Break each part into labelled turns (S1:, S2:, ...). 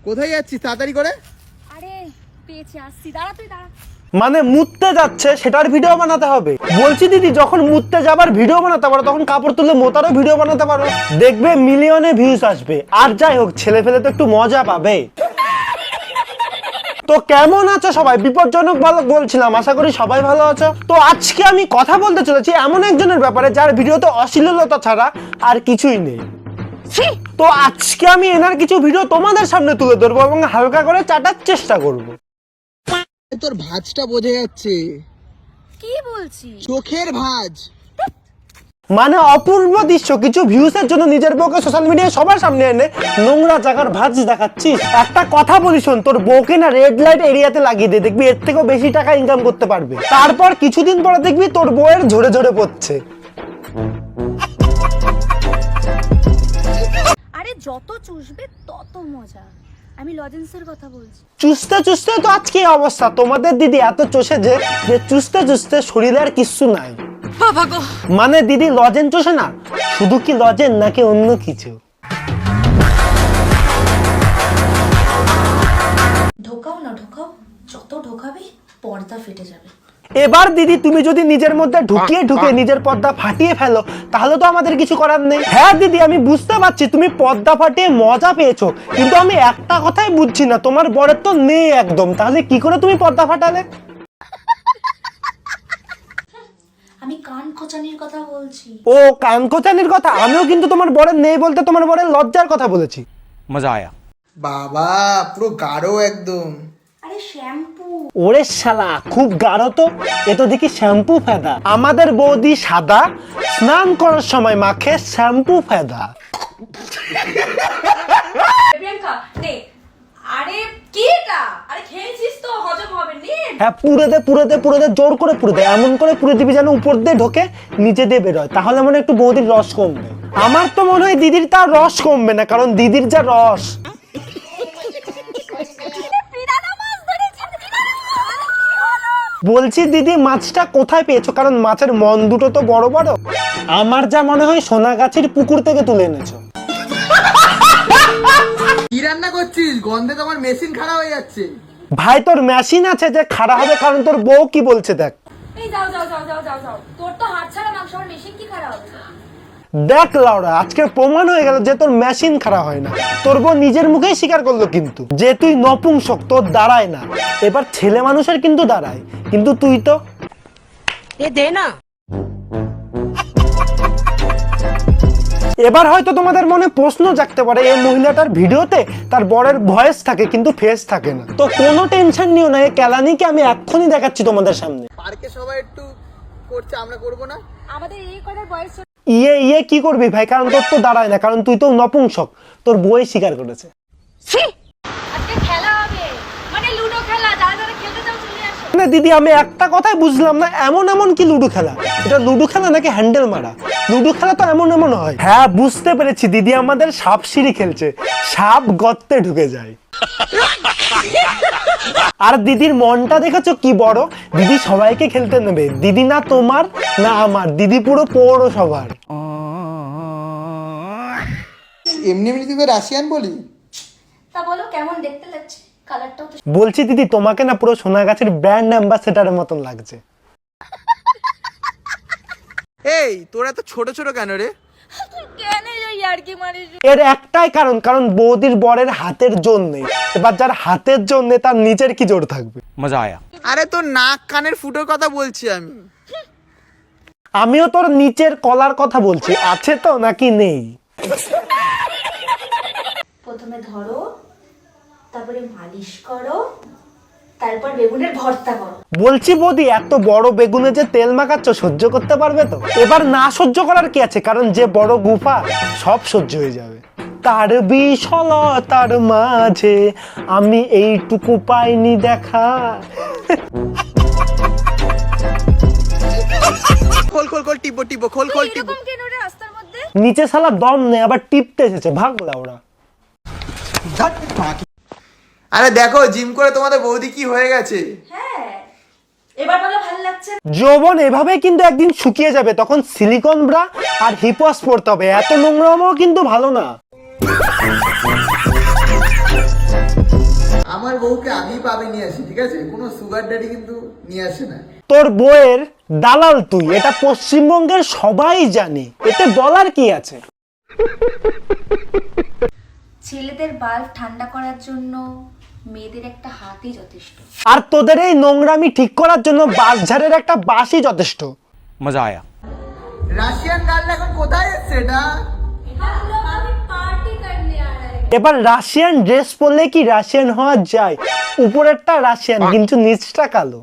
S1: কোথায় যাচ্ছিস তাড়াতাড়ি করে?
S2: আরে পেয়েছি, আসছি, দাঁড়া তুই দাঁড়া।
S3: মানে মুততে যাচ্ছে সেটার ভিডিও বানাতে হবে? বলছি দিদি, যখন মুততে যাবার ভিডিও বানাতে পারো তখন কাপড় তুলে মোতারও ভিডিও বানাতে পারো, দেখবে মিলিয়নে ভিউজ আসবে। আর যাই হোক, ছেলে ফেলে তো একটু মজা পাবে। তো কেমন আছো সবাই? বিপজ্জনক বালক বলছিলাম, আশা করি সবাই ভালো আছো। তো আজকে আমি কথা বলতে চলেছি এমন একজনের ব্যাপারে যার ভিডিওতে অশ্লীলতা ছাড়া আর কিছুই নেই। তো আজকে আমি এনার কিছু ভিডিও তোমাদের সামনে তুলে ধরবো এবং হালকা করে চাটার চেষ্টা করব।
S1: তোর ভাঁজটা বোঝা যাচ্ছে।
S2: কি বলছিস?
S1: চোখের ভাঁজ।
S3: মানে অপূর্ব দৃশ্য, কিছু ভিউসের জন্য নিজের বউকে সোশ্যাল মিডিয়ায় সবার সামনে এনে নোংরা জায়গার ভাঁজ দেখাচ্ছিস। একটা কথা বলি শোন, তোর বউকে না রেড লাইট এরিয়াতে লাগিয়ে দে, দেখবি এর থেকেও বেশি টাকা ইনকাম করতে পারবে। তারপর কিছুদিন পরে দেখবি তোর বউয়ের ঝরে ঝরে পড়ছে।
S2: আরে যত চুষবে তত মজা। আমি লজেন্সের কথা বলছি।
S3: চুষতে চুষতে তো আজকে এই অবস্থা। তোমাদের দিদি এত চষে যে চুষতে চুষতে শরীরে আর কিচ্ছু নাই।
S2: বাবা গো,
S3: মানে দিদি লজেন চষে না, শুধু কি লজেন নাকি অন্য কিছু?
S2: ঢোকাও না ঢোকাও, যত ঢোকাবে পর্দা ফেটে যাবে।
S3: এবার দিদি তুমি যদি নিজের মধ্যে ঢুকিয়ে নিজের পর্দা ফাটিয়ে ফেলো তাহলে তো আমাদের কিছু করার নেই। হ্যাঁ দিদি, আমি বুঝতে পারছি তুমি পর্দা ফাটিয়ে মজা পেয়েছো, কিন্তু আমি একটা কথাই বুঝছি না, তোমার বরের তো নেই একদম, তাহলে কি করে তুমি পর্দা ফাটালে?
S2: আমি কান খোঁচানির কথা বলছি।
S3: ও কানকোচানির কথা? আমিও কিন্তু তোমার বরের নেই বলতে তোমার বরের লজ্জার কথা বলেছি।
S4: मजा आया।
S1: বাবা পুরো গাঢ় একদম।
S2: আরে শ্যাম্পু।
S3: ওরে শালা, খুব গাঢ় তো, এ তো দেখি শ্যাম্পু ফেদা। আমাদের বৌদি সাদা, স্নান করার সময় মাখে শ্যাম্পু ফেদা।
S2: প্রিয়াঙ্কা নে। আরে কি এটা? আরে খেয়েছিস তো, হজম হবে নে।
S3: হ্যাঁ, পুরো দে, জোর করে পুরো দে, এমন করে পুরো দিবি যেন উপর দিয়ে ঢোকে নিচে দিয়ে বেরোয়, তাহলে মনে একটু বৌদির রস কমবে। আমার তো মনে হয় দিদির তার রস কমবে না, কারণ দিদির যা রস। বলছি দিদি, মাছটা কোথায় পেয়েছো? কারণ মাছের মন দুটো তো বড় বড়। আমার যা মনে হয় সোনাগাছির পুকুর থেকে তুলে এনেছো।
S1: কি রান্না করছিস? গন্ধে তোমার মেশিন খারাপ হয়ে যাচ্ছে।
S3: ভাই তোর মেশিন আছে যে খারাপ হবে, কারণ তোর বউ কি বলছে দেখ।
S2: এই যাও যাও যাও যাও যাও যাও, তোর তো হাত ছাড়া মাংস, আমার মেশিন কি খারাপ হবে?
S3: দেখ লাউরা, আজকে প্রমাণ হয়ে গেল যে তোর মেশিন খারাপ হয় না। তোর বউ নিজের মুখেই স্বীকার করলো কিন্তু যে তুই নপুংসক, তোর দাঁড়ায় না। এবার ছেলে মানুষের কিন্তু দাঁড়ায়, কিন্তু তুই তো
S2: দে না।
S3: এবার হয়তো তোমাদের মনে প্রশ্ন জাগতে পারে, এই মহিলাটার ভিডিওতে তার বরের ভয়েস থাকে কিন্তু ফেস থাকে না। তো কোনো টেনশন নিও না, এই কেলানিকে আমি এক্ষুনি দেখাচ্ছি তোমাদের সামনে।
S1: পার্কে সবাই একটু করছে, আমরা করব না?
S2: আমাদের এই কটার বয়স।
S3: ইয়ে কি করবি ভাই, কারণ তোর তো দাঁড়ায় না, কারণ তুই তো নপুংসক, তোর বই স্বীকার করেছে।
S2: আজকে খেলা হবে, মানে লুডো খেলা। যারা যারা খেলতে চাও চলে আসো।
S3: না দিদি, আমি একটা কথাই বুঝলাম না, এমন কি লুডো খেলা? এটা লুডো খেলা নাকি হ্যান্ডেল মারা? লুডো খেলা তো এমন হয়। হ্যাঁ বুঝতে পেরেছি, দিদি আমাদের সাপ সিঁড়ি খেলছে, সাপ গর্তে ঢুকে যায়। আর দিদির মনটা দেখেছো কি বড়, দিদি সবাইকে খেলতে নেবে। দিদি না তোমার না আমার, দিদি পুরো পৌরসভার।
S1: এমনি এমনি তুই রাশিয়ান বলি?
S2: তা বলো কেমন দেখতে লাগছে? কালারটাও তো।
S3: বলছি দিদি, তোমাকে না পুরো সোনাগাছির ব্র্যান্ড অ্যাম্বাসেডারের মতন লাগছে।
S1: এই তোরা তো ছোট ছোট কেন রে?
S2: কেন ইয়ার্কি মারিস?
S3: এর একটাই কারণ বৌদির বরের হাতের জোর নেই। এবার যার হাতের জোর নেই তার নিচের কি জোর থাকবে?
S4: मजा आया।
S1: আরে তোর নাক কানের ফুটোর কথা বলছি আমি।
S3: আমিও তোর নিচের কলার কথা বলছি, আছে তো নাকি নেই?
S2: প্রথমে ধরো, তারপরে মালিশ করো, তারপর বেগুনের ভর্তা করো।
S3: বলছি বৌদি, এত বড় বেগুনে যে তেল মাখাচ্ছ সহ্য করতে পারবে তো? এবার না সহ্য করার কি আছে, কারণ যে বড় গুফা সব সহ্য হয়ে যাবে। তার বিশালতার মাঝে আমি এইটুকু পাইনি দেখা।
S1: খোল টিপো খোল টিপো।
S2: এরকম কেন রে রাস্তার মধ্যে?
S3: নিচে শালা দম নেই, আবার টিপতে এসেছে, ভাগলা ওরা।
S1: আরে দেখো জিম করে তোমাদের বৌদি কি হয়ে গেছে।
S2: হ্যাঁ, এবার বলো ভালো লাগছে?
S3: যৌবন এভাবে কিন্তু একদিন শুকিয়ে যাবে, তখন সিলিকন ব্রা আর হিপস পড়তে হবে। এত নোংরামও কিন্তু ভালো না।
S1: বউকে আমি পাবে নিয়ে আসি, ঠিক আছে? কোনো সুগার ড্যাডি কিন্তু নিয়ে আসে না।
S3: তোর বউয়ের দালাল তুই, এটা পশ্চিমবঙ্গের সবাই জানে, এতে বলার কি আছে?
S2: ছেলেদের বাল্ব ঠান্ডা করার জন্য মেয়েদের একটা হাতই যথেষ্ট।
S3: আর তোদের এই নোংরামি ঠিক করার জন্য বাঁশঝাড়ের একটা বাঁশই যথেষ্ট।
S4: मजा आया।
S1: রাশিয়ান গার্ল এখন কোথায় এসছে এটা?
S3: এবার রাশিয়ান ড্রেস পরলে কি রাশিয়ান হওয়া যায়? উপরেরটা রাশিয়ান কিন্তু নিচটা কালো।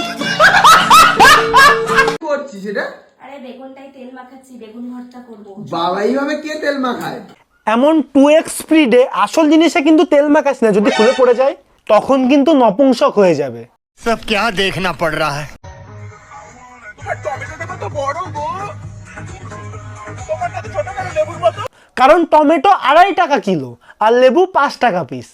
S1: কি করছিস এটা?
S2: আরে বেগুনটাই তেল মাখাচ্ছি, বেগুন ভর্তা করব।
S1: বাবা এইভাবে কে তেল মাখায়?
S3: এমন 2x স্পিডে আসল জিনিসে কিন্তু তেল মাখাস না, যদি খুলে পড়ে যায় তখন কিন্তু নপুংসক হয়ে যাবে।
S4: सब क्या देखना पड़ रहा है।
S3: কারণ টমেটো 2.5 টাকা কিলো আর লেবু 5 টাকা পিস।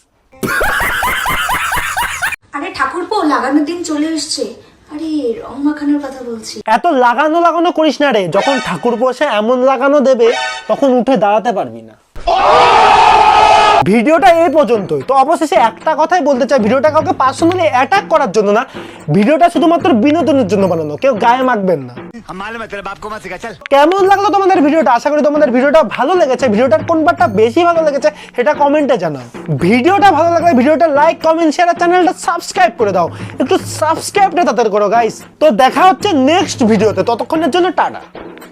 S2: আরে ঠাকুরপো, লাগানোর দিন চলে এসছে। আরে রং মাখানোর কথা বলছি।
S3: এত লাগানো করিস না রে, যখন ঠাকুর বসে এমন লাগানো দেবে তখন উঠে দাঁড়াতে পারবি না। ভিডিওটা এই পর্যন্তই। তো অবশেষে একটা কথাই বলতে চাই, ভিডিওটা কাউকে পার্সোনালি অ্যাটাক করার জন্য না, ভিডিওটা শুধুমাত্র বিনোদনের জন্য বানানো, কেউ গায়ে মাখবেন না।
S4: हम मालूम है तेरे बाप को मत सिखा चल।
S3: কেমন লাগলো তোমাদের ভিডিওটা? আশা করি তোমাদের ভিডিওটা ভালো লেগেছে। ভিডিওটার কোন পার্টটা বেশি ভালো লেগেছে সেটা কমেন্টে জানাও। ভিডিওটা ভালো লাগলে ভিডিওটা লাইক, কমেন্ট, শেয়ার আর চ্যানেলটা সাবস্ক্রাইব করে দাও। একটু সাবস্ক্রাইবটা তাড়াতাড়ি করো গাইস। তো দেখা হচ্ছে নেক্সট ভিডিওতে, ততক্ষণের জন্য টাটা।